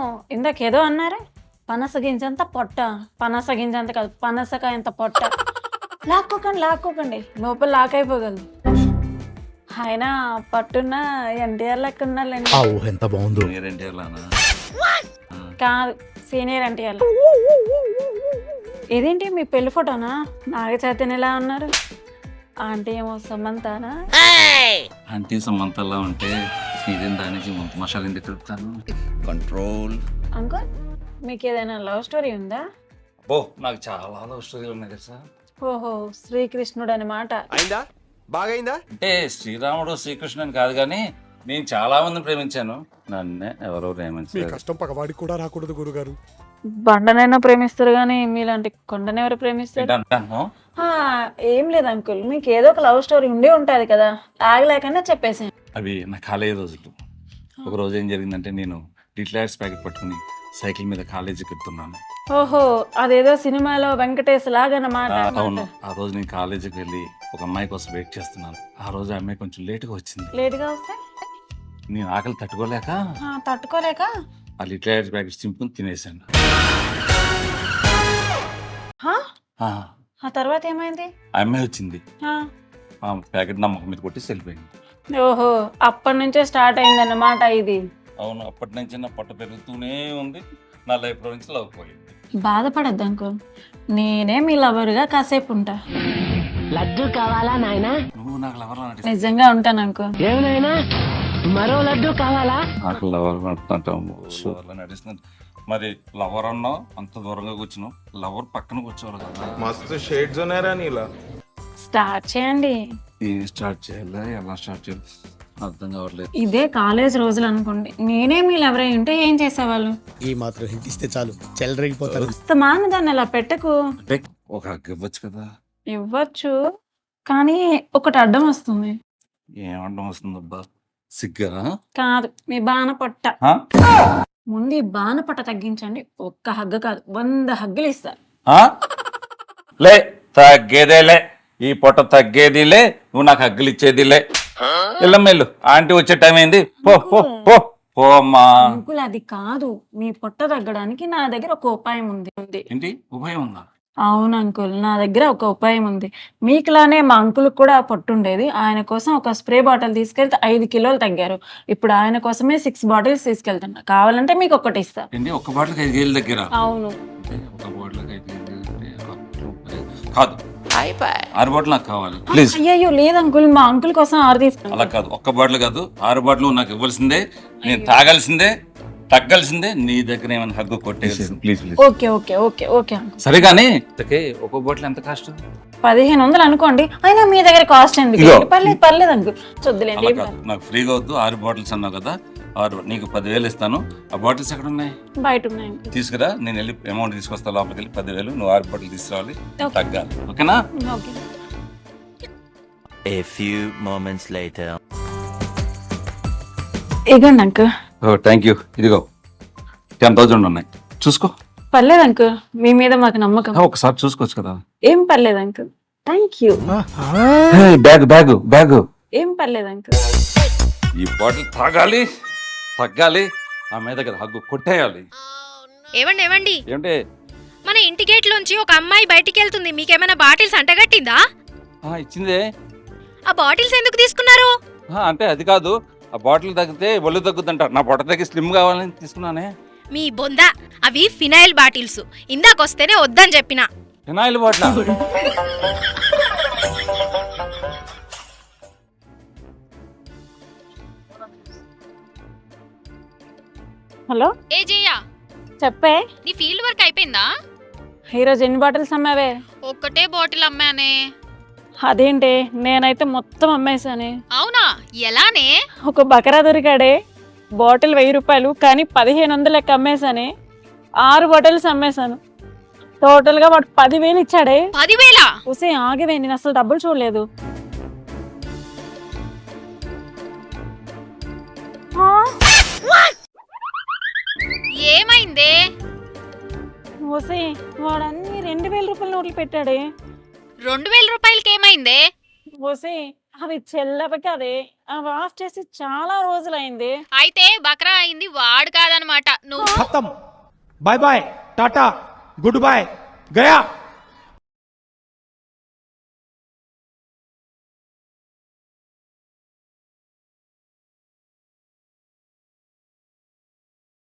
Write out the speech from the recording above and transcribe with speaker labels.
Speaker 1: ఇందాకేదో అన్నారే పనస గింజంత పొట్ట, పనస గింజంత కాదు పనసకాయంత పొట్ట. లాక్కోకండి లోపల లాక్ అయిపోగలదు. ఆయన పట్టున్న ఎన్టీఆర్ లెక్క ఉన్నారులేండి.
Speaker 2: ఆ ఊహ ఎంత బాగుందో.
Speaker 1: కాదు సీనియర్ ఎన్టీఆర్. ఇదేంటి మీ పెళ్లి ఫోటోనా? నాగ చైతన్యలా ఉన్నారు. ఆంటీ ఏమో సమంతానా?
Speaker 3: ఆంటీ సమంతలా ఉంటే ఇదేం దానికి ముంత మసాలా ఎందుకు తిరుగుతాను.
Speaker 2: కంట్రోల్.
Speaker 1: అంకుల్ మీకు ఏదైనా లవ్ స్టోరీ ఉందా?
Speaker 3: ఓ నాకు చాలా లవ్ స్టోరీలు ఉన్నాయి తెలుసా.
Speaker 1: ఓహో శ్రీకృష్ణుడు అనమాట.
Speaker 4: అయిందా? బాగైందా?
Speaker 3: అంటే శ్రీరాముడు శ్రీకృష్ణుని కాదు కానీ నేను చాలా మందిని ప్రేమించాను, నన్నే ఎవరో
Speaker 5: మీ
Speaker 3: ప్రేమించారు.
Speaker 5: కష్టం పగవాడికి కూడా రాకూడదు గురుగారు.
Speaker 1: బండనైనా ప్రేమిస్తారు కానీ మీలాంటి కొండని ఎవరు ప్రేమిస్తారు?
Speaker 3: అంటాను
Speaker 1: ఆ, ఏం లేదు అంకుల్, మీకు ఏదో ఒక లవ్ స్టోరీ ఉండే ఉంటది కదా, ఆగలేకనే చెప్పేసాను.
Speaker 3: అవి నా కాలేజీ రోజులు. ఒక రోజు ఏం జరిగిందంటే నేను డిక్లైర్స్ ప్యాకెట్ పట్టుకుని సైకిల్ మీద కాలేజీకి వెళ్తున్నాను.
Speaker 1: ఓహో అదేదో సినిమాలో వెంకటేష్ లాగనమాట.
Speaker 3: అవును, ఆ రోజు నేను కాలేజీకి వెళ్ళి ఒక అమ్మాయి కోసం వెయిట్ చేస్తున్నాను. ఆ రోజు ఆ అమ్మాయి కొంచెం లేట్గా వచ్చింది.
Speaker 1: లేట్గా వస్తే
Speaker 3: నేను ఆకలి తట్టుకోలేక
Speaker 1: తట్టుకోలేక
Speaker 3: ఆ లిక్లైర్స్ ప్యాకెట్ చింపుకుని తినేసాను.
Speaker 1: హా?
Speaker 3: ఆ
Speaker 1: ఆ తర్వాత ఏమైంది?
Speaker 3: అమ్మాయి వచ్చింది,
Speaker 1: ఆ,
Speaker 3: ఆ ప్యాకెట్ నా ముఖం మీద కొట్టి వెళ్ళిపోయింది.
Speaker 1: ఓహో అప్పటి నుంచే స్టార్ట్ అయిందన్నమాట ఇది.
Speaker 3: అవును, అప్పటి నుంచి నా పొట్ట పెరుగుతూనే ఉంది. నా లైఫ్ లో నుంచి లవ్ పోయింది.
Speaker 1: బాధపడద్దు అంకుల్, నేనే మీ లవర్గా కాసేపు ఉంటా.
Speaker 6: లడ్డు కావాలా నాయనా?
Speaker 3: నువ్వు నాకు లవర్
Speaker 1: నిజంగా ఉంటాను అంకుల్.
Speaker 6: ఏమైనా మరో లడ్డు కావాలా?
Speaker 3: నాకు లవర్ నడుస్తున్నాను. మరి లవర్ అన్నావు, అంత దూరంగా కూర్చున్నావు. లవర్ పక్కన కూర్చోవాలి కదా.
Speaker 4: మస్తు షేడ్స్ ఉన్నారా నీలా?
Speaker 1: స్టార్ట్ చేయండి.
Speaker 3: ఏం స్టార్ట్ చేయాలి, ఎలా స్టార్ట్ చేయాలి అర్థం కావట్లేదు.
Speaker 1: ఇదే కాలేజ్ రోజులు అనుకోండి, నేనే మీ లవర్ అయి ఉంటే ఏం చేసేవాళ్ళు?
Speaker 2: ఈ మాత్రం హింట్ ఇస్తే చాలు చెలరేగిపోతారు.
Speaker 1: మాన దాన్ని అలా పెట్టకు.
Speaker 3: అంటే ఒక హగ్ ఇవ్వచ్చు కదా.
Speaker 1: ఇవ్వచ్చు కానీ ఒకటి అడ్డం వస్తుంది.
Speaker 3: ఏమండం వస్తుంది అబ్బా, సిగ్గా?
Speaker 1: కాదు మీ బాణ పొట్ట.
Speaker 3: ఆ?
Speaker 1: ముందు ఈ బాణ పొట్ట తగ్గించండి. ఒక్క హగ్గు కాదు 100 హగ్గులు ఇస్తారు.
Speaker 3: ఆ? లే తగ్గేదేలే, ఈ పొట్ట తగ్గేదిలే, నువ్వు నాకు హగ్గులు ఇచ్చేదిలే. ఎల్లమ్మేళ్ళు, ఆంటీ వచ్చే టైం అయింది. పో పో పో పో అమ్మా.
Speaker 1: అంకుల్ అది కాదు, మీ పొట్ట తగ్గడానికి నా దగ్గర ఒక ఉపాయం ఉంది.
Speaker 3: ఏంటి ఉపాయం ఉందా?
Speaker 1: అవును అంకుల్, నా దగ్గర ఒక ఉపాయం ఉంది. మీకులానే మా అంకుల్ కూడా పొట్టుండేది. ఆయన కోసం ఒక స్ప్రే బాటిల్ తీసుకెళ్తే 5 కిలోలు తగ్గారు. ఇప్పుడు ఆయన కోసమే 6 బాటిల్స్ తీసుకెళ్తున్నా. కావాలంటే మీకు ఒకటి ఇస్తా.
Speaker 3: ఏంటి ఒక్క బాటిల్కి 5 వేలు దగ్గర?
Speaker 1: అవును.
Speaker 3: అంటే ఒక బాటిల్కి 5 వేలు కాదు, 6 బాటిల్ నాకు కావాలి ప్లీజ్.
Speaker 1: అయ్యో లేదు అంకుల్, మా అంకుల్ కోసం 6 తీసుకున్నా.
Speaker 3: అలా కాదు, ఒక్క బాటిల్ కాదు 6 బాటిల్ నాకు ఇవ్వాల్సిందే. నేను తాగాల్సిందే, తగ్గాల్సిందే. నీ దగ్గర ఏమైనా హగ్గు కొట్టేసి please please.
Speaker 1: Okay okay okay okay uncle.
Speaker 3: సరే కానీ ఒక్కో బాటిల్ ఎంత కాస్ట్?
Speaker 1: 1500 అనుకోండి. అయినా మీ దగ్గర కాస్ట్ ఎందుకు?
Speaker 3: ఇదిగో.
Speaker 1: పర్లేదు అంకుల్, చూద్దులేండి.
Speaker 3: అలా కాదు, నాకు ఫ్రీగా వద్దు. 6 బాటిల్స్ అన్నావు కదా, 6 నీకు 10,000 ఇస్తాను. ఆ బాటిల్స్ ఎక్కడ ఉన్నాయి?
Speaker 1: బయట ఉన్నాయి అంకుల్.
Speaker 3: తీసుకురా, నేను వెళ్ళి అమౌంట్ తీసుకొస్తా. లోపలికి వెళ్ళి 10,000 నువ్వు 6 బాటిల్ తీసుకురావాలి,
Speaker 1: Okay.
Speaker 3: తగ్గాలి. ఓకేనా?
Speaker 1: Okay.
Speaker 7: A few moments later.
Speaker 1: ఇగోండి అంకుల్.
Speaker 3: Thank you. ఇదిగో 10,000 ఉన్నాయి, చూసుకో.
Speaker 1: పర్లేదు అంకుల్, మీ మీద మాకు నమ్మకం.
Speaker 3: ఒకసారి చూసుకోవచ్చు కదా.
Speaker 1: ఏం పర్లేదు uncle, thank you.
Speaker 3: Bag bag bag.
Speaker 1: ఏం పర్లేదు అంకుల్.
Speaker 3: ఈ బాటిల్ తాగాలి, తగ్గాలి, ఆ మీద దగ్గర హగ్గు కొట్టేయాలి.
Speaker 8: ఏవండి
Speaker 3: ఏంటే?
Speaker 8: మన ఇంటి గేట్ లోంచి ఒక అమ్మాయి బయటికి వెళ్తుంది. మీకేమైనా బాటిల్స్ అంటగట్టిందా?
Speaker 3: ఇచ్చిందే.
Speaker 8: ఆ బాటిల్స్ ఎందుకు తీసుకున్నారు?
Speaker 3: అంటే అది కాదు, ఆ బాటిల్ తగ్గితే ఒళ్ళు తగ్గుద్దంట. నా పొట్ట తగ్గి స్లిమ్ కావాలని తీసుకున్నానే.
Speaker 8: మీ బొంద, అవి ఫినాయిల్ బాటిల్స్. ఇందాకొస్తేనే వద్దని చెప్పిన.
Speaker 3: Phenyl bottle?
Speaker 1: హలో
Speaker 8: ఏ జయ్యా,
Speaker 1: చెప్పే,
Speaker 8: నీ ఫీల్డ్ వర్క్ అయిపోయిందా?
Speaker 1: ఈరోజు ఎన్ని బాటిల్స్ అమ్మావే?
Speaker 8: ఒక్కటే బాటిల్ అమ్మానే.
Speaker 1: అదేంటి, నేనైతే మొత్తం అమ్మేశానే.
Speaker 8: అవునా, ఎలానే?
Speaker 1: ఒక బకరా దొరికాడే, బాటిల్ 1000 రూపాయలు కానీ 1500 లెక్క అమ్మేశానే. 6 బాటిల్స్ అమ్మేశాను. టోటల్ గా వాడు 10,000 ఇచ్చాడే.
Speaker 8: 10,000?
Speaker 1: ఉసే ఆగివే, నేను అసలు డబ్బులు చూడలేదు.
Speaker 8: ఏమైందే?
Speaker 1: ఉసే వాడు అన్ని 2000 రూపాయల నోట్లు పెట్టాడే.
Speaker 8: 2000 రూపాయలకి ఏమైందే?
Speaker 1: ఓసే అవి చెల్లవి కదే అవి ఆఫ్ చేసి చాలా రోజులైంది.
Speaker 8: అయితే బక్రా అయింది వాడు కాదనమాట నువ్వు.
Speaker 5: ఖతం. Bye bye, tata, good boy, Gaya.